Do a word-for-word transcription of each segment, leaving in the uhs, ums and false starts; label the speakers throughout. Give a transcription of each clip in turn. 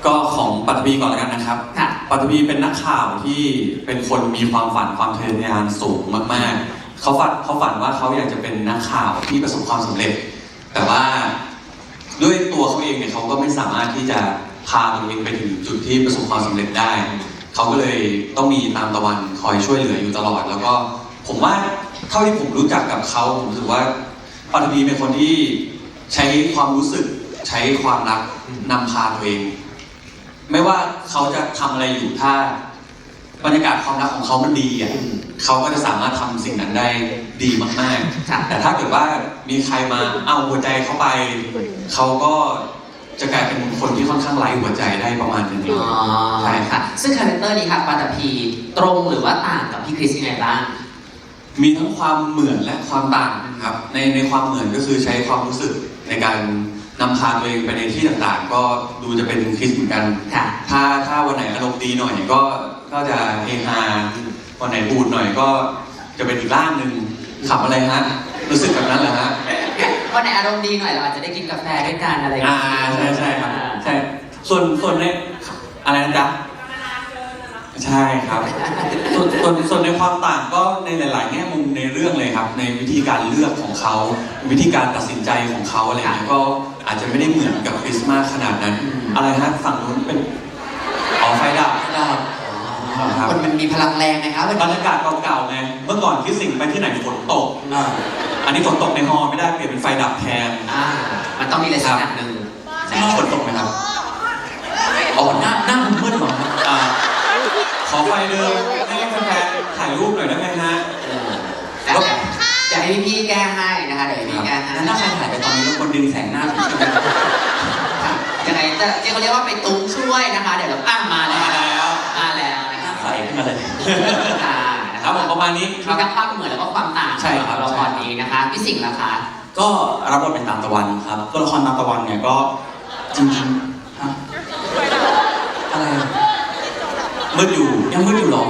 Speaker 1: ก็ของปัตตภีก่อนแล้วกันนะครับปัตตภีเป็นนักข่าวที่เป็นคนมีความฝันความทะเยอทะยานสูงมากๆเขาฝันเขาฝันว่าเขาอยากจะเป็นนักข่าวที่ประสบความสำเร็จแต่ว่าด้วยตัวเขาเองเนี่ยเขาก็ไม่สามารถที่จะพาตัวเองไปถึงจุดที่ประสบความสำเร็จได้เขาก็เลยต้องมีตามตะวันคอยช่วยเหลืออยู่ตลอดแล้วก็ผมว่าเท่าที่ผมรู้จักกับเขาผมรู้สึกว่าปัตตภีเป็นคนที่ใช้ความรู้สึกใช้ความรักนำพาตัวเองไม่ว่าเขาจะทำอะไรอยู่ถ้าบรรยากาศความรักของเขามันดีอ่ะเขาก็จะสามารถทำสิ่งนั้นได้ดีมากๆแต่ถ้าเกิดว่ามีใครมาเอาหัวใจเข้าไปเขาก็จะกลายเป็นคนที่ค่อนข้างไร้หัวใจได้ประมาณนึง
Speaker 2: ใช่ค่ะซึ่งคาแรคเตอร์นี้ค่ะปัตตภีตรงหรือว่าต่างกับพี่คริสยังไงบ้าง
Speaker 1: มีทั้งความเหมือนและความต่างครับในในความเหมือนก็คือใช้ความรู้สึกในการนำพาตัวเองไปในที่ต่างๆก็ดูจะเป็นคริสเหมือนกันถ้าถ้าวันไหนอารมณ์ดีหน่อยก็ก็จะเฮฮาวันไหนบูดหน่อยก็จะเป็นอีกร่างหนึ่งขับอะไรฮะรู้สึกแบบนั้นเหรอฮะ
Speaker 2: วันไหนอารมณ์ดีหน่อยเราอาจจะได้กินกาแฟด้วยกันอะไรอย่าง
Speaker 1: เงี้ยอ่าใช่ใช่ครับใช่ส่วนส่วนในอะไรนะจ๊ะใช่ครับส่วนส่วนส่วนในความต่างก็ในหลายๆแง่มุมในเรื่องเลยครับในวิธีการเลือกของเขาวิธีการตัดสินใจของเขาอะไรเงี้ยก็อาจจะไม่ได้เหมือนกับคริสต์มาสขนาดนั้นอะไรฮะฝั่งนู้นเป็นอ๋อไฟดับ
Speaker 2: ดับคนมันมีพลังแรงนะครับ
Speaker 1: บรรยากาศเก่าๆไงเมื่อก่อนที่สิ่งไปที่ไหนฝนตกอันนี้ฝนตกในฮอไม่ได้เปลี่ยนเป็นไฟดับแทน
Speaker 2: มันต้องมีอะไรสักอย่างหนึ่ง
Speaker 1: ฝนตกไหมครับ
Speaker 2: อ๋อหน้าหน้ามืดหรอ
Speaker 1: ขอไฟเดิมให้แฟนๆถ่ายรูปหน่อยได้ไหมฮะ
Speaker 2: จะให้พี่แก้ให้นะคะเดี๋ยวพี่แก้ให้
Speaker 1: แล้วถ้าใครถ่ายไปตอนนี้แล้วคนดึงแสงหน้าถึงใช่ไหม
Speaker 2: ยังไงจะที่เขาเรียกว่าไปตุ้งช่วยนะคะเดี๋ยวเราตั้งมาแล้วมาแล้วนะคะ
Speaker 1: ใส่ขึ้นมาเลยครับผมประมาณนี้
Speaker 2: มีทั้งความเหมือนแล้วก็ความต่าง
Speaker 1: ใช่ครับ
Speaker 2: ละครนี้นะคะพี่สิงห์ล่ะคะ
Speaker 3: ก็รับบทเป็นตามตะวันครับตัวละครตามตะวันเนี่ยก็จริงๆฮะอะไร
Speaker 1: มืดอยู่
Speaker 3: ยังมืดอยู่หรอ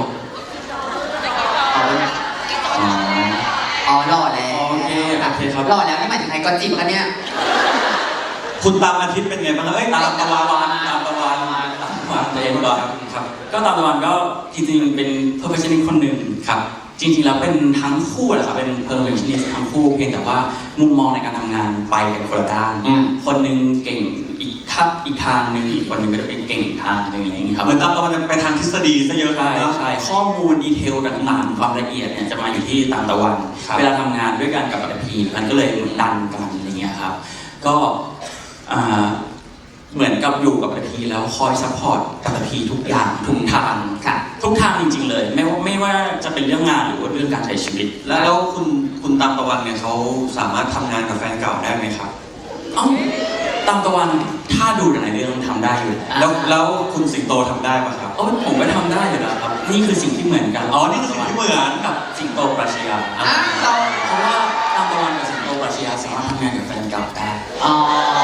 Speaker 2: อ๋อหล่อแล้ว
Speaker 1: โอเคโอเคครับ
Speaker 2: หล่อแล้วนี่หมายถึงใครก็จิบกันเนี่ย
Speaker 1: คุณตามอาทิตย์เป็นไงบ้างเอ้ยตามตะวันตามตะวันตามตะวัน
Speaker 3: เองก็ครับก็ตามตะวันก็จริงๆเป็น perfectionist คนหนึ่งครับจริงๆแล้วเป็นทั้งคู่แหละครับเป็น perfectionist ทั้งคู่เพียงแต่ว่ามุมมองในการทำงานไปกันคนละด้านคนหนึ่งเก่งอีกทับอีกทางหนึ่งอีกคนหนึ่งก็จะเป็นเก่งอีกทางหนึ่งอะไรอย่างนี้ครับ
Speaker 1: เหมือนตามตะวันไปทางทฤษฎีซะเยอะ
Speaker 3: ใช่ใช่ข้อมูลดีเทลต่างๆความละเอียดเนี่ยจะมาอยู่ที่ตามตะวันเวลาทำงานด้วยกันกับปัตตภีมันก็เลยดันกันอะไรเงี้ยครับก็เหมือนกับอยู่กับปัตตภีแล้วคอยซัพพอร์ตปัตตภีทุกอย่างทุกทาง
Speaker 2: ค่ะ
Speaker 3: ทุกทางจริงๆเลยไม่ว่าไม่ว่าจะเป็นเรื่องงานหรือว่าเรื่องการใช้ชีวิต
Speaker 1: แล้วคุณคุณตามตะวันเนี่ยเขาสามารถทำงานกับแฟนเก่าได้ไหมครับ
Speaker 3: เอ้าตามตะวันถ้าดูในเรื่องทำได้อยู่
Speaker 1: แล้วแล้วคุณสิงโตทำได้ปะครับ
Speaker 3: อ๋อผมก็ทำได้อยู่แล้วครับนี่คือสิ่งที่เหมือนกัน
Speaker 1: อ๋อนี่คือสิ่งที่เหมือน
Speaker 3: กับสิงโตปรัชญาเพราะว่าตามตะวันกับสิงโตปรัชญาสามารถทำงานกับแฟนเก่าได้
Speaker 2: อ๋อ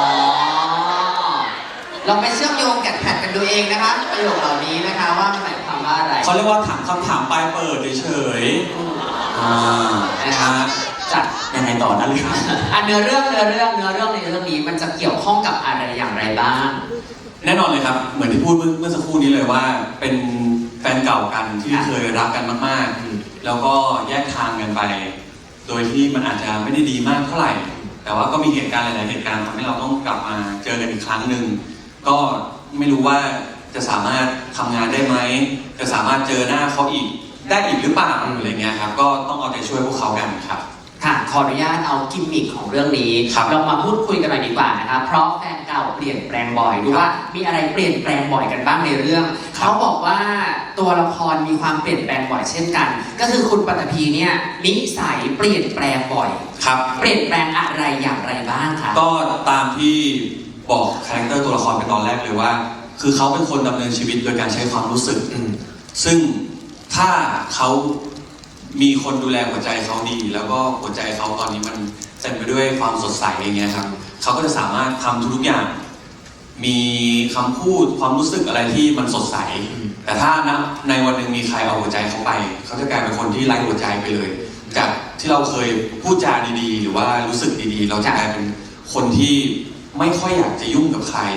Speaker 2: เราไปเชื่อมโยงแกะแพทกันดูเองนะคะประโยคเหล่านี้นะคะว่ามันหมายความว่าอะไร
Speaker 1: เขาเรียกว่าถามคำถามปลายเปิดเฉยๆอ่า
Speaker 2: นะคะจัด
Speaker 3: ยังไงต่อนะลูก
Speaker 2: อ่ะเนื้อเรื่องเนื้อเรื่องเนื้อเรื่องในเรื่องนี้มันจะเกี่ยวข้องกับอะไรอย่างไรบ้าง
Speaker 1: แน่นอนเลยครับเหมือนที่พูดเมื่อสักครู่นี้เลยว่าเป็นแฟนเก่ากันที่เคยรักกันมากๆแล้วก็แยกทางกันไปโดยที่มันอาจจะไม่ได้ดีมากเท่าไหร่แต่ว่าก็มีเหตุการณ์หลายๆเหตุการณ์ทำให้เราต้องกลับมาเจอกันอีกครั้งหนึ่งก็ไม่รู้ว่าจะสามารถทำงานได้ไหมจะสามารถเจอหน้าเขาอีกได้อีกหรือเปล่าอะไรเงี้ยครับก็ต้องเอาใจช่วยพวกเขากันครับ
Speaker 2: ค่ะขออนุญาตเอากิมมิคของเรื่องนี้เรามาพูดคุยกันหน่อยดีกว่านะคะเพราะแฟนเก่าเปลี่ยนแปลงบ่อยดูว่ามีอะไรเปลี่ยนแปลงบ่อยกันบ้างในเรื่องเขาบอกว่าตัวละครมีความเปลี่ยนแปลงบ่อยเช่นกันก็คือคุณปัตตภีเนี่ยนิสัยเปลี่ยนแปลงบ่อย
Speaker 1: ครับ
Speaker 2: เปลี่ยนแปลงอะไรอย่างไรบ้างคะ
Speaker 1: ก็ตามที่บอกคาแรคเตอร์ตัวละครไปตอนแรกเลยว่าคือเขาเป็นคนดำเนินชีวิตโดยการใช้ความรู้สึกซึ่งถ้าเขามีคนดูแลหัวใจเขาดีแล้วก็หัวใจเขาตอนนี้มันเต็มไปด้วยความสดใสอย่างเงี้ยครับเขาก็จะสามารถทำทุกอย่างมีคำพูดความรู้สึกอะไรที่มันสดใสแต่ถ้านะในวันหนึ่งมีใครเอาหัวใจเขาไปเขาจะกลายเป็นคนที่ไร้หัวใจไปเลยจากที่เราเคยพูดจาดีๆหรือว่ารู้สึกดีๆเราจะกลายเป็นคนที่ไม่ค่อยอยากจะยุ่งกับใคร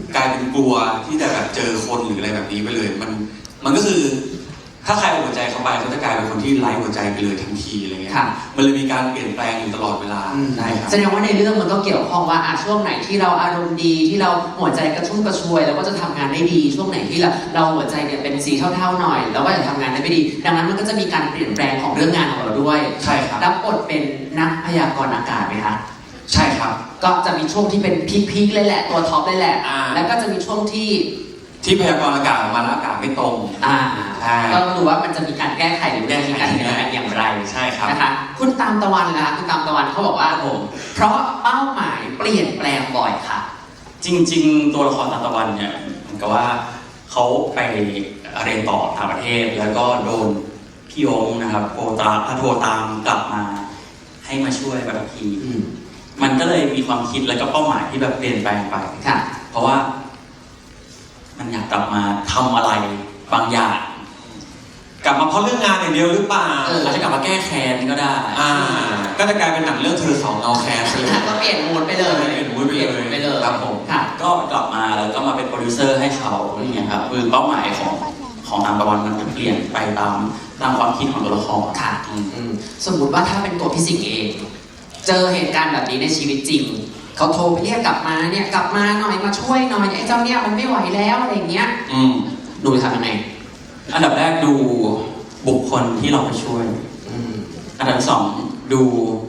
Speaker 1: กลายเป็นกลัวที่จะแบบเจอคนหรืออะไรแบบนี้ไปเลย มันมันก็คือถ้าใครเอาหัวใจเขาไปเขาจะกลายเป็นคนที่ไร้หัวใจไปเลยทันทีอะไรเงี้ยมันเลยมีการเปลี่ยนแปลงอยู่ตลอดเวลาใช่ครับ
Speaker 2: แสดงว่าในเรื่องมันก็เกี่ยวข้องว่าอ่ะช่วงไหนที่เราอารมณ์ดีที่เราหัวใจกระชุ่มกระชวยแล้วก็จะทำงานได้ดีช่วงไหนที่เราเราหัวใจเนี่ยเป็นสีเท่าๆหน่อยแล้วก็จะทำงานได้ไม่ดีดังนั้นมันก็จะมีการเปลี่ยนแปลงของเรื่องงานของเราด้วย
Speaker 1: ใช่ครับ
Speaker 2: รับบทเป็นนักพยากรณ์อากาศไหมคะ
Speaker 1: ใช่ครับ
Speaker 2: ก็จะมีช่วงที่เป็นพีคๆเลยแหละตัวท็อปเลยแหละแล้วก็จะมีช่วงที่
Speaker 1: ที่พยากรณ์อากาศออกมาแล้วอากาศไม่ตรง
Speaker 2: อ่า
Speaker 1: ใช่
Speaker 2: ก็ดูว่ามันจะมีการแก้ไขหรือไม่มีการแก้ไขอย่างไร
Speaker 1: ใช่ครับ
Speaker 2: นะคะคุณตามตะวันนะคะคุณตามตะวันเขาบอกว่าผมเพราะเป้าหมายเปลี่ยนแปลงบ่อยค่ะ
Speaker 3: จริงๆตัวละครตามตะวันเนี่ยเหมือนกับว่าเขาไปเรียนต่อต่างประเทศแล้วก็โดนพี่ยงนะครับโทรตามโทรตามกลับมาให้มาช่วยแบบทีมันก็เลยมีความคิดแล้วก็เป้าหมายที่แบบเปลี่ยนแปลงไปเพราะว่ามันอยากกลับมาทำอะไรบางอย่าง
Speaker 1: กลับมาเพราะเรื่องงานอย่างเดียวหรือเปล่า
Speaker 3: อาจจะกลับมาแก้แค้นก็ได้
Speaker 1: อ่าก็จะกลายเป็นหนังเรื่องเธอสองเอาแค้นไปเลย
Speaker 2: ก็เปลี่ยนมูดไปเลย
Speaker 1: เปลี่ยนมูดไปเลย
Speaker 2: ไปเลย
Speaker 1: ครับผม
Speaker 2: ค่ะ
Speaker 3: ก็กลับมาแล้วก็มาเป็นโปรดิวเซอร์ให้เขาอย่างเงี้ยครับคือเป้าหมายของของตามตะวันมันจะเปลี่ยนไปตามตามความคิดของตัวละคร
Speaker 2: ค่ะสมมุติว่าถ้าเป็นตัวพี่สิงห์เองเจอเหตุการณ์แบบนี้ในชีวิตจริงเขาโทรไปเรียกกลับมาเนี่ยกลับมาหน่อยมาช่วยหน่อยไอ้เจ้าเนี่ยมันไม่ไหวแล้วอะไรอย่างเงี้ย
Speaker 1: อืม
Speaker 2: ดูทำยังไง
Speaker 3: อันดับแรกดูบุคคลที่เราไปช่วยอันดับสองดู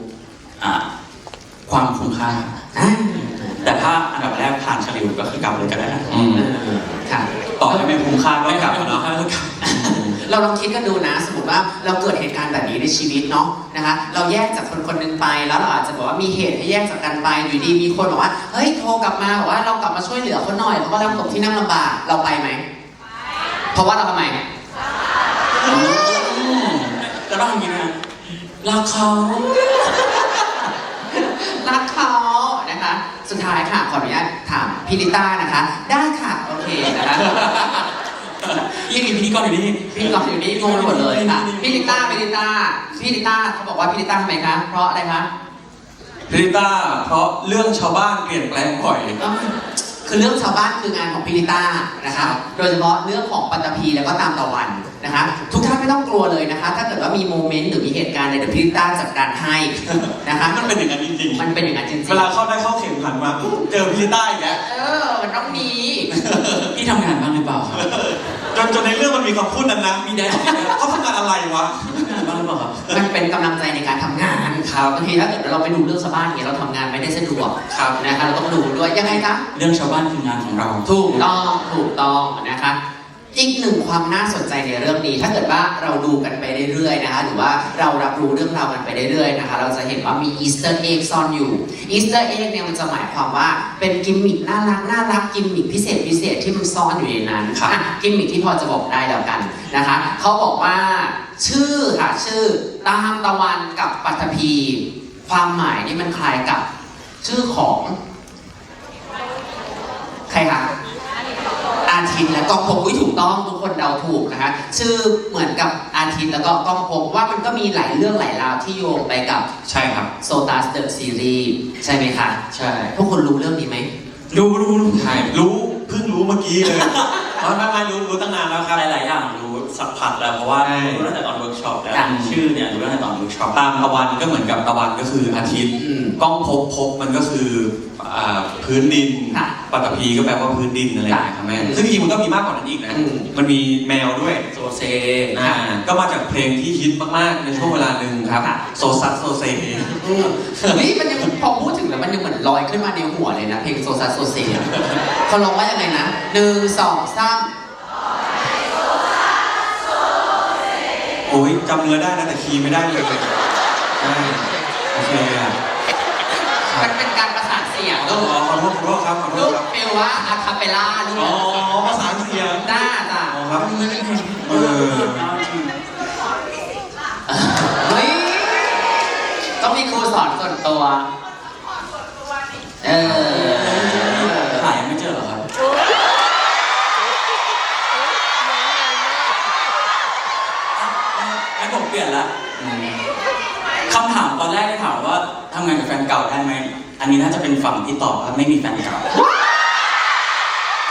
Speaker 3: ความคุ้มค่าแต่ถ้าอันดับแรกผ่านเฉลี่ยก็คือกลับเลยก็ได้
Speaker 2: ค่ะ
Speaker 1: ต่อให้ไม่คุ้มค่าก็กลับเนาะ
Speaker 2: เราลองคิดกันดูนะสมมติว่าเราเกิดเหตุการณ์แบบนี้ในชีวิตเนาะนะคะเราแยกจากคนคนหนึ่งไปแล้วเราอาจจะบอกว่ามีเหตุให้แยกจากกันไปอยู่ดีมีคนบอกว่าเฮ้ยโทรกลับมาบอกว่าเรากลับมาช่วยเหลือเขาหน่อยเขากำลังตกที่นั่งลำบากเราไปไหมเพราะว่าเราทำไม
Speaker 3: เราต้องอย่างนี้นะรักเขา
Speaker 2: รักเขานะคะสุดท้ายค่ะขออนุญาตถามพี่ลิต้านะคะได้ค่ะโอเคนะคะ
Speaker 3: ยังมีพิธีกรอยู่นี่
Speaker 2: พิธีกรอยู่นี่งงหมดเลยค่ะพี่ลิต้าพี่ลิต้าพี่ลิต้าเขาบอกว่าพี่ลิต้าทำไมคะเพราะอะไรคะ
Speaker 1: พี่ลิต้าเพราะเรื่องชาวบ้านเปลี่ยนแปลงบ่อย
Speaker 2: คือเรื่องชาวบ้านคืองานของพี่ลิต้านะคะโดยเฉพาะเรื่องของปัตตภีแล้วก็ตามตะวันนะคะทุกท่านไม่ต้องกลัวเลยนะคะถ้าเกิดว่ามีโมเมนต์หรือมีเหตุการณ์ในเดี๋ยวพี่ลิต้าจัดการให้นะคะ
Speaker 1: มันเป็นอย่างนั้นจริง
Speaker 2: ๆมันเป็นอย่างนั้นจริงๆ
Speaker 1: เวลาเข้าได้เข้าเข็มขันมาเจอพี่ลิต้าอีกแล้ว
Speaker 2: เออมันต้องมี
Speaker 3: พี่ทำงานบ้างหรือเปล่า
Speaker 1: จนจนในเรื่องมันมีคำพูดนั้นนะมีได้เขาทำงานอะไรวะ
Speaker 3: บ้างหรือเปล่าครับ
Speaker 2: มันเป็นกำลังใจในการทำงานครับบางทีถ้าเกิดเราไปดูเรื่องชาวบ้านอย่างเงี้ยเราทำงานไม่ได้สะดวก
Speaker 1: ครับ
Speaker 2: นะคะเราต้องดูด้วยยังไงคะ
Speaker 3: เรื่องชาวบ้านคืองานของเรา
Speaker 2: ถูกต้องถูกต้องนะคะอีกหนึ่งความน่าสนใจในเรื่องนี้ถ้าเกิดว่าเราดูกันไปเรื่อยๆนะคะหรือว่าเรารับรู้เรื่องราวกันไปเรื่อยๆนะคะเราจะเห็นว่ามีอีสเตอร์เอ็กซ่อนอยู่อีสเตอร์เอ็กเนี่ยมันจะหมายความว่าเป็นกิมมิคน่ารักน่ารักกิมมิคพิเศษพิเศษที่มันซ่อนอยู่ในนั้นค่ะกิมมิคที่พอจะบอกได้แล้วกันนะคะเขาบอกว่าชื่อค่ะชื่อตามตะวันกับปัตภีความหมายนี่มันคล้ายกับชื่อของใครคะอาทิตย์และก้องพบวิถูกต้องทุกคนเดาถูกนะคะชื่อเหมือนกับอาทิตย์แล้วก็ก้องพบว่ามันก็มีหลายเรื่องหลายราวที่โยงไปกับ
Speaker 1: ใช่ครับ
Speaker 2: โซตัสเดอะซีรีส์ใช่ไหมคะ
Speaker 3: ใช่
Speaker 2: พวกคนรู้เรื่องนี้ไหม
Speaker 1: รู้รู้ใช่รู้เพิ่งรู้เมื่อกี้เลยไม่ไม่รู้รู้ตั้งนานแล้วครับ
Speaker 3: หลายๆอย่างรู้สักพักแล้วเพราะว่ารู้ตั้งแต่ตอนเวิร์กช็อปแล้วชื่อเนี่ยรู้ตั้งแต่ตอนเวิร์กช็อป
Speaker 1: ตามตะวันก็เหมือนกับตะวันก็คืออาทิตย์ก้องพบพบมันก็คือพื้นดินปัตตภีก็แปลว่าพื้นดินอะไรอย่างเงี้ยครับแม่ซึ่งจริงมันก็มีมากกว่านั้นอีกนะมันมีแมวด้วย
Speaker 3: โซเซ
Speaker 1: ก็มาจากเพลงที่ฮิตมากๆในช่วงเวลาหนึ่งครับโซซัสโซเซ
Speaker 2: นี่มันยังพอพูดถึงแล้วมันยังเหมือนลอยขึ้นมาในหัวเลยนะเพลงโซซัสโซเซเขาร้องว่ายังไงนะหนึ่งสองสาม
Speaker 1: โอ้ยจำเนื้อได้นะแต่คีย์ไม่ได้เลยใช่โอเคอ่ะ
Speaker 2: มันเป็นการประสานเสียง
Speaker 1: ก็ขอขอโทษขอโทษครับขอโทษครับ
Speaker 2: เปลว่าอะคาเปล่าลูก
Speaker 1: อ๋อประสานเสียง
Speaker 2: จ้าจ้า
Speaker 1: อ๋อครับเออ
Speaker 2: เฮ้ยต้องมีครูสอนส่วนตัวเออ
Speaker 3: หายังไม่เจอหรอครับงั้นผมเปลี่ยนละคำถามตอนแรกที่ถามว่าทำงานกับแฟนเก่าได้ไหมอันนี้น่าจะเป็นฝั่งที่ตอบว่าไม่มีแฟนเก่า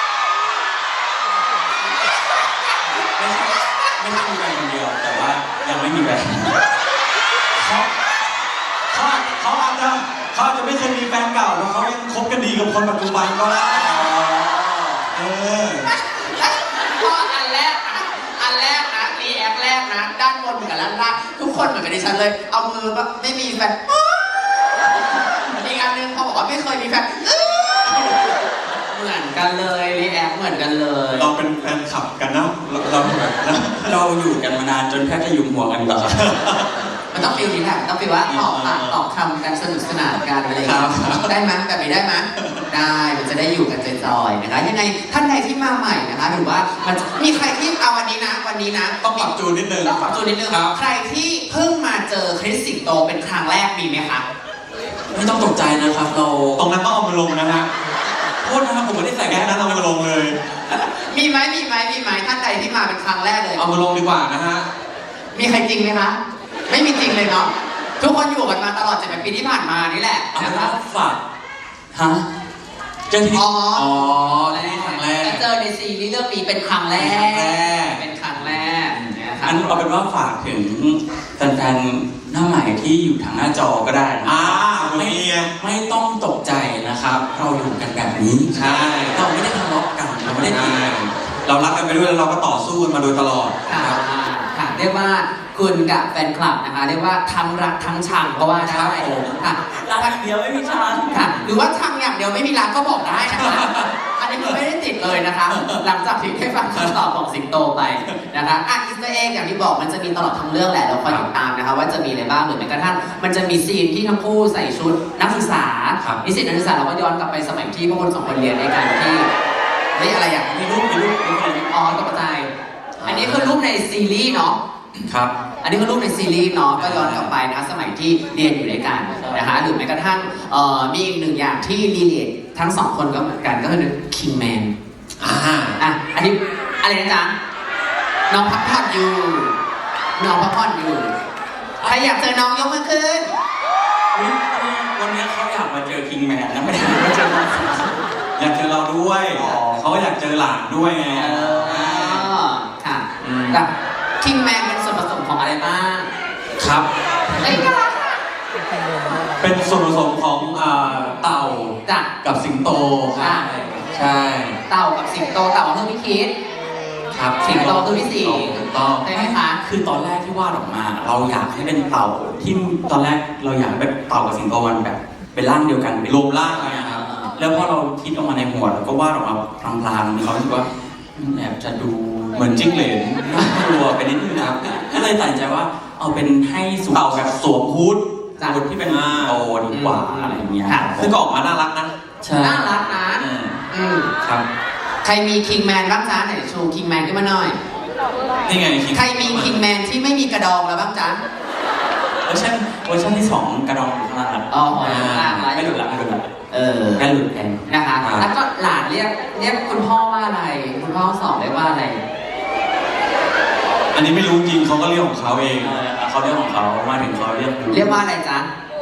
Speaker 3: ไม่ใช่มีแฟนคนเดียว แต่ว่ายังไม่มีแฟน
Speaker 1: เขาเขาอาจเขาอาจจะเขาอาจจะไม่เคยมีแฟนเก่าแล้วเขายังคบกันดีกับคนปัจจุบันก็ได้เออ
Speaker 2: ข้ออันแรกนะอันแรกนะรีแอคแรกนะ ด้านบนเหมือนกับด้านล่างทุกคนเหมือนกับดิฉันเลย เอามือแบบไม่มีแฟนอีกอันหนึงเขาบอกว่าไม่เคยมีแฟนเหมือนกันเลยรีแอคเหมือนกันเลย
Speaker 1: เราเป็นแฟนคลับกันนะเราเราแบบนะ
Speaker 3: เราอยู่กันมานานจนแทบจะหยุมหัวกันแล้วครับ
Speaker 2: มันต้องฟีลนี้แหละต้องฟีลว่าตอบปากตอบคำกันสนุกสนานกันอะไรอย่างเงี้ยได้ไหมแบบนี้ได้ไหมได้มันจะได้อยู่กันจอยๆนะคะยังไงท่านใดที่มาใหม่นะคะหรือว่ามันจะมีใครที่เอาวันนี้นะวันนี้นะ
Speaker 1: ต้องปรับจูนนิดนึง
Speaker 2: ต้องปรับจูนนิดนึง
Speaker 1: ครับ
Speaker 2: ใครที่เพิ่งมาเจอคริสสิงโตเป็นครั้งแรกมีไหมคะ
Speaker 3: ไม่ต้องตกใจนะครับ เรา
Speaker 1: ตรงนั้นต้องเอามาลงนะฮะ
Speaker 3: โทษนะครับผมไม่ได้ใส่
Speaker 1: แค่
Speaker 3: แค่
Speaker 1: นั้
Speaker 3: นั้น น
Speaker 1: เอามาลงเลย
Speaker 2: มีไหมมีไหมมีไหมท่านใดที่มาเป็นครั้งแรกเลย
Speaker 1: เอามาลงดีกว่านะฮะ
Speaker 2: มีใครจริงไหมคะไม่มีจริงเลยเนาะทุกคนอยู่กันมาตลอดเจ็ดแปดปีที่ผ่านมานี่แหละ
Speaker 3: เอา
Speaker 2: นะ
Speaker 3: เป็น
Speaker 2: คะ
Speaker 3: ว่าฝากฮะเจอที่
Speaker 2: อ๋อ
Speaker 1: อ๋อนี่ครั้งแรก
Speaker 2: จะเจอในซีรีส์เรื่องนี้เป็นครั้งแร
Speaker 1: เป็นครั้งแรก
Speaker 2: กเป็นครั้งแรกนะคะ
Speaker 3: อันเอาเป็นว่าฝากถึงแฟนๆหน้าใหม่ที่อยู่ทางหน้าจอก็ได้นะ
Speaker 1: อ่า
Speaker 3: ไม่
Speaker 1: มีไง
Speaker 3: ไม่ต้องตกใจนะครับ เราอยู่กันแบบนี้
Speaker 1: ใช่
Speaker 3: เราไม่ได้ทะเลาะกันเราไม่ได้ตี
Speaker 1: ใช่
Speaker 3: กัน
Speaker 1: เรารักกันไปด้วยแล้วเราก็ต่อสู้กันมาโดยตลอด
Speaker 2: ค่ะ
Speaker 1: ครับ
Speaker 2: ค่ะเรียกว่าคุณกับแฟนคลับนะคะเรียกว่าทั้งรักทั้งชังก็ว่าได้ค่ะ
Speaker 3: รักเดียวไม่มีชาญ
Speaker 2: ค่ะหรือว่าชังอย่างเดียวไม่มีรักก็บอกได้นะคะอันนี้คือไม่ได้ติดเลยนะคะ หลังจากที่ได้ฟังคำตอบของสิงโตไปนะคะอ่ะอิสต์เองอย่างที่บอกมันจะมีตลอดทั้งเรื่องแหละเราคอยติดตามนะคะว่าจะมีอะไรบ้างหรือแม้กระทั่งมันจะมีซีนที่ทั้งคู่ใส่ชุดนักศึกษา
Speaker 1: ครับ
Speaker 2: นิสิตนักศึกษาเราก็ย้อนกลับไปสมัยที่พวกคนสองคนเรียนด้วยกันที่เฮ้ยอะไรอ่ะ
Speaker 3: มีรูปมีรูปมีรูป
Speaker 2: อ๋อตกใจอันนี้คือรูปในซีรีส์เนาะ
Speaker 1: ครับ
Speaker 2: อันนี้คือรูปในซีรีส์เนาะก็ย้อนกลับไปนะคะสมัยที่เรียนอยู่ด้วยกันนะคะหรือแม้กระทั่งเอ่อมีอีกหนึ่งอย่างที่รีเลททั้งสองคนก็เหมือนกันก็คือ King Man
Speaker 1: อ่า
Speaker 2: อ่ะอันนี้อะไรนะจ๊ะน้องพักผ่อนอยู่น้องพักผ่อนอยู่ใครอยากเจอน้องยกมือขึ้น
Speaker 3: อุ๊ยวันนี้เขาอยากมาเจอคิงแมนนะไม่ได้มาเจอเรา
Speaker 1: อยากเจอเราด้วย
Speaker 3: อ๋อ
Speaker 1: เขาก็อยากเจอหลานด้วยไง
Speaker 2: เออค่ะ
Speaker 1: อืม
Speaker 2: แบบ King Man เป็นส่วนผสมของอะไรบ้าง
Speaker 1: ครับ
Speaker 2: เอ้ยน่ารักอะ
Speaker 1: เป็นส่วนผสมของอ่าเต่า
Speaker 2: จ้ะ
Speaker 1: กับสิงโตค
Speaker 2: อ่ะ
Speaker 1: รับใช่
Speaker 2: เต่ากับสิงโตเต่าคือพี่คิด
Speaker 1: ครับ
Speaker 2: สิงโตคือพี่สิงห์
Speaker 1: ถูกต้อง
Speaker 2: ใช่ไหมคะ
Speaker 3: คือตอนแรกที่วาดออกมา เราอยากให้เป็นเต่าที่ตอนแรกเราอยากให้เป็นเต่ากับสิงโตมันแบบ เป็นร่างเดียวกันเป็น
Speaker 1: รวมร่างกันนะครับ
Speaker 3: แล้วพอเราคิดออกมาในหัวเราก็วาดออกมาพลางๆมีความรู้สึกว่าแอบจะดู
Speaker 1: เหมือนจิ้งเหลน
Speaker 3: น่ากลัวไปนิดนึงนะครับก็เลยตัดสินใจว่าเอาเป็นให้สู
Speaker 1: เต่าแบบสวมฮูด
Speaker 2: จ้ะ
Speaker 3: คนที่เป็นโตดีกว่าอะไรอย่างเงี้ย
Speaker 2: ค่ะ
Speaker 1: ซึ่งก็ออกมาน่ารักนะ
Speaker 3: ใช่
Speaker 2: น่ารักนะ
Speaker 1: อืม
Speaker 2: อืม
Speaker 1: ครับ
Speaker 2: ใครมีคิงแมนบ้างจ๊ะไหนโชว์คิงแมนขึ้นมาหน่อย
Speaker 1: นี่ไงคิง
Speaker 2: ใครมีคิงแมนที่ไม่มีกระดองแล้วบ้างจ๊ะ
Speaker 3: เวอร์ชันเวอร์ชันที่สองกระดองอยู่ข้างล่างครับ
Speaker 2: อ๋อหอยล่างไว้
Speaker 3: ไม่หลุดละไม่หลุดละ
Speaker 2: เออ
Speaker 3: ไม่หลุดแทน
Speaker 2: นะคะ แล้วก็หลานเรียกเรียกคุณพ่อว่าอะไร คุณพ่อสอนเรียกว่าอะไร
Speaker 1: อันนี้ไม่รู้จริงเขาก็เรียกของเขาเอง
Speaker 3: เออเขาเรียกของเขามาถึงเขาเรียก
Speaker 2: เรียกว่าอะไรจ๊ะ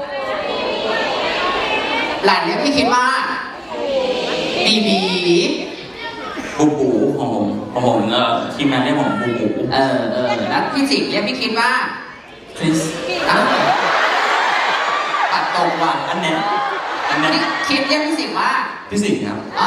Speaker 2: หลานเรียกพี่คิดว่าบีบี
Speaker 3: บูบูของผมของผมเออทีมงานเรียกผมบูบู
Speaker 2: เออเออแล้วพี่จิ๋งเรียกพี่คิดว่า
Speaker 3: คริส
Speaker 2: อ้าวปัดตรงว่ะ
Speaker 3: อันเนี้ยอันเนี้ย
Speaker 2: พี่คิดเรียกพี่สิงห์ว่า
Speaker 1: พี่สิงห์ครับ
Speaker 2: อ๋อ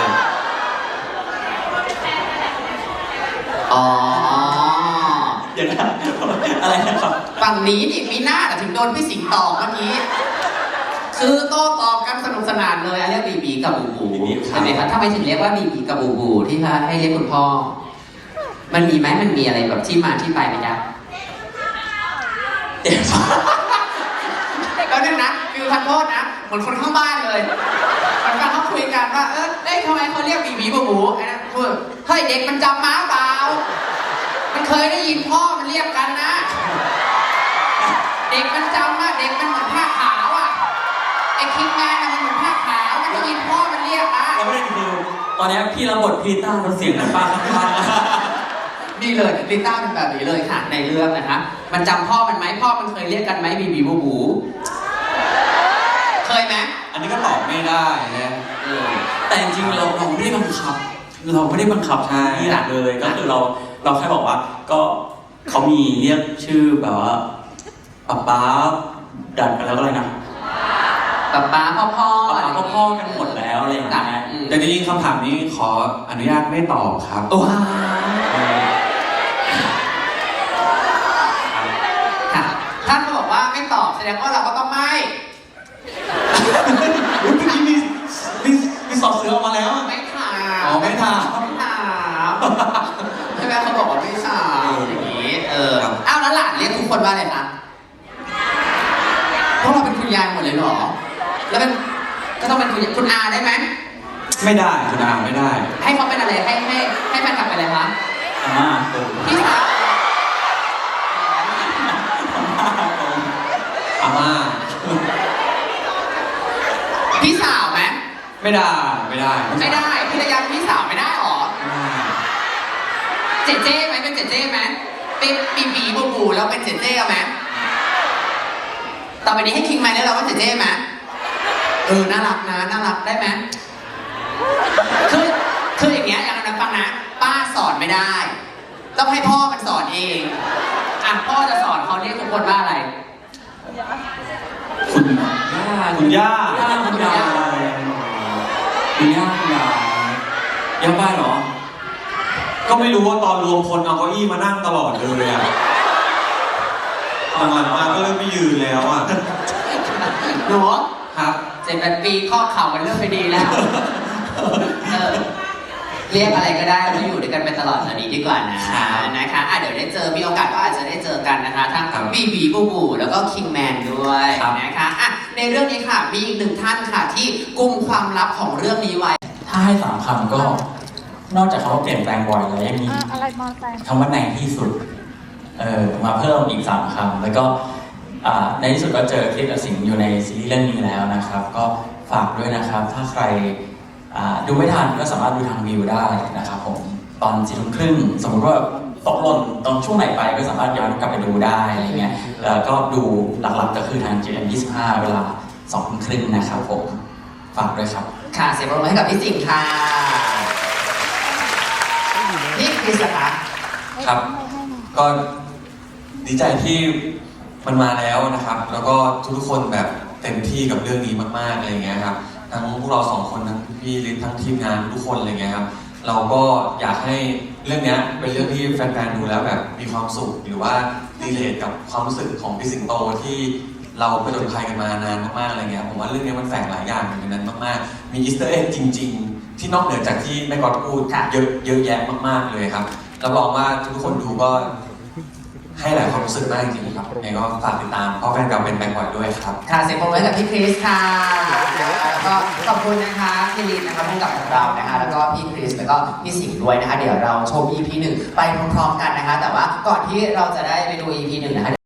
Speaker 2: อ๋อ
Speaker 3: เดี๋ยวนะอะไรนะครับ
Speaker 2: ฝั่งนี้นี่มีหน้าแต่ถึงโดนพี่สิงห์ตอบเมื่อกี้คือโต้ตอบกันสนุกสนานเลยอันเรียกบีบีกับบูบูใช่ไหมคะทำไมถึงเรียกว่าบีบีกับบูบูที่พาให้เรียกคุณพ่อ มันมีไหมมันมีอะไรแบบที่มาที่ไปไหมจ๊ะ
Speaker 3: เดี๋ยว
Speaker 2: แล้วนึงนะฟิวทันโทษนะเหมือนคนข้างบ้านเลยมันฟังเขาคุยกันว่าเออเอ้ยทำไมเขาเรียกบีบีบูบูไอ้นั่นพูดเฮ้ยเด็กมันจำม้าเปล่ามันเคยได้ยินพ่อมันเรียกกันนะ เด็กมันจำว่าเด็กมันเหมือนผ้าขาวอ่ะไอ้คิงแมนน่ะมันเหมือนผ้าขาวมันได้ยินพ่อมันเรียกนะ
Speaker 3: แล้วไม่ได้คือตอนนี้พี่รับบทพีต้าเราเสียงน้ำปลาข้าง
Speaker 2: นี่เลยลิต้าเป็นแบบนี้เลยค่ะในเรื่องนะคะ มันจำพ่อมันไหมพ่อมันเคยเรียกกันไหมบีบีบูบูเคยไหม
Speaker 1: อันนี้ก็ตอบไม่ได้นะ
Speaker 2: เออ
Speaker 3: แต่จริงๆเราเราไม่ได้บังคับ เราไม่ได้บังคับ
Speaker 1: ใช่
Speaker 3: นี่แหละเลยก็คือเราเราแค่บอกว่าก็เขามีเรียกชื่อแบบว่าป๊าป๊าดัดกันแล้วก็อะไรนะ
Speaker 2: ป๊าป๊าพ่อพ่อ
Speaker 3: ป๊าป๊าพ่อๆกันหมดแล้วอะไรอย่างเงี้ย
Speaker 1: แต่จริงๆคำถามนี้ขออนุญาตไม่ตอบครับ
Speaker 2: ว้าวค่ะท่านบอกว่าไม่ตอบแสดงว่าเราก็ต้องไม่
Speaker 1: อุ๊ยเมื่อกี้มีมีมีสอบเสือออกมาแล้วอะ
Speaker 2: ไม่ถาม
Speaker 1: อ๋อไม่ถาม
Speaker 2: ไม่ถามใช่ไหมเขาบอกว่าไม่ถามอย่างนี้เอออ้าวแล้วหลานเรียกทุกคนว่าอะไรคะพวกเราเป็นคุณยายหมดเลยเหรอแล้วเป็นก็ต้องเป็นคุณคุณอาได้ไหม
Speaker 1: ไม่ได้คุณอาไม่ได้
Speaker 2: ให้เขาเป็นอะไรให้ให้ให้แฟนคลับเป็นอะไรคะ
Speaker 3: อาม่าโกง
Speaker 2: พี่สาว
Speaker 1: อาม่า
Speaker 2: พี่สาวไหม
Speaker 1: ไม่ได้ไม่ได้
Speaker 2: ไม่ได้พี่ระยะพี่สาวไม่ได้หรอ
Speaker 1: ไม่ได้
Speaker 2: เจเจ้ไหมเป็นเจเจ้ไหมเป็นปีบีบูบูแล้วเป็นเจเจ้ไหมต่อไปนี้ให้คิงไหมแล้วเราว่าเจเจ้ไหมเออน่ารักนะน่ารักได้ไหมคือคืออย่างเงี้ยอย่างนั้นฟังนะป้าสอนไม่ได้ ต้องให้พ่อมันสอนเองอ่ะพ่อจะสอนเขาเรียกทุกคนว่าอะไร
Speaker 1: คุณ
Speaker 3: ย่า
Speaker 1: คุณย่า
Speaker 3: ย่าคุณยายคุณย่าคุณยายย่าบ้านเหรอ
Speaker 1: ก็ไม่รู้ว่าตอนรวมคนเอาเก้าอี้มานั่งตลอดเลยอะหลังๆมาก็เริ่มไม่ยืนแล้วอะ
Speaker 2: หนู
Speaker 1: ครับ
Speaker 2: เจ็ดแปดปีข้อเข่ามันเริ่มไม่ดีแล้วเออเรียกอะไรก็ได้มาอยู่ด้วยกันไปตลอดตอนนี้ดีกว่านะนะคะอ่ะเดี๋ยวได้เจอมีโอกาสก็อาจจะได้เจอกันนะคะทั้งบีบีบูบูแล้วก็คิงแมนด้วยนะคะอ่ะในเรื่องนี้ค่ะมีอีกหนึ่งท่านค่ะที่กุมความลับของเรื่องนี้ไว้
Speaker 3: ถ้าให้สามคำก็ นอกจากคำว่าเปลี่ยนแปลงบ่อยแล้วยังมี
Speaker 4: อ่ะอะไรมอไซค์
Speaker 3: คำว่าในที่สุดเออมาเพิ่มอีกสามคำแล้วก็อ่าในที่สุดก็เจอคลิปกับสิงห์อยู่ในซีรีส์เรื่องนี้แล้วนะครับ ก็ฝากด้วยนะครับ ถ้าใครอ่าดูไม่ทันก็สามารถดูทางวิวได้นะครับผมตอนสี่ทุ่มครึ่งสมมติว่าตกหล่นตอนช่วงไหนไปก็สามารถย้อนกลับไปดูได้อะไรเงี้ยแล้วก็ดูหลักๆก็คือทาง จี เอ็ม ยี่สิบห้า เวลาสองทุ่มครึ่งนะครับผมฝากด้วยครับ
Speaker 2: ค่ะเสียงปรบมือให้กับพี่สิงห์ค่ะนี่คริสล่ะคะ
Speaker 1: ครับ ก็ดีใจที่มันมาแล้วนะครับ แล้วก็ทุกๆคนแบบเต็มที่กับเรื่องนี้มากๆอะไรเงี้ยครับทั้งพวกเราสองคนทั้งพี่ลิศทั้งทีมงานทุกคนอะไรเงี้ยครับเราก็อยากให้เรื่องเนี้ยเป็นเรื่องที่แฟนๆดูแล้วแบบมีความสุขหรือว่ารีเลทกับความรู้สึกของพี่สิงโตที่เราไปจนภัยกันมานานมากๆอะไรเงี้ยผมว่าเรื่องนี้มันแฝงหลายอย่างอยู่ในนั้นมากๆมีอีสเตอร์เอ็กจริง ๆ ที่นอกเหนือจากที่แม่กอดพูดเยอะเยอะแยะมากๆเลยครับรับรองว่าทุกคนดูก็ให้หลายความรู้สึกมากจริงๆครับยังไงก็ฝากติดตามเพราะแฟนเราเป็นแบงค์บอยด้วยครับ
Speaker 2: ค่ะเสียงปรบมือให้กับพี่คริสค่ะแล้วก็ขอบคุณนะคะพี่ลินนะคะผู้กำกับของเรานะคะแล้วก็พี่คริสแล้วก็พี่สิงห์ด้วยนะคะเดี๋ยวเราชม อี พี หนึ่งไปพร้อมๆกันนะคะแต่ว่าก่อนที่เราจะได้ไปดู อี พี หนึ่งนะคะ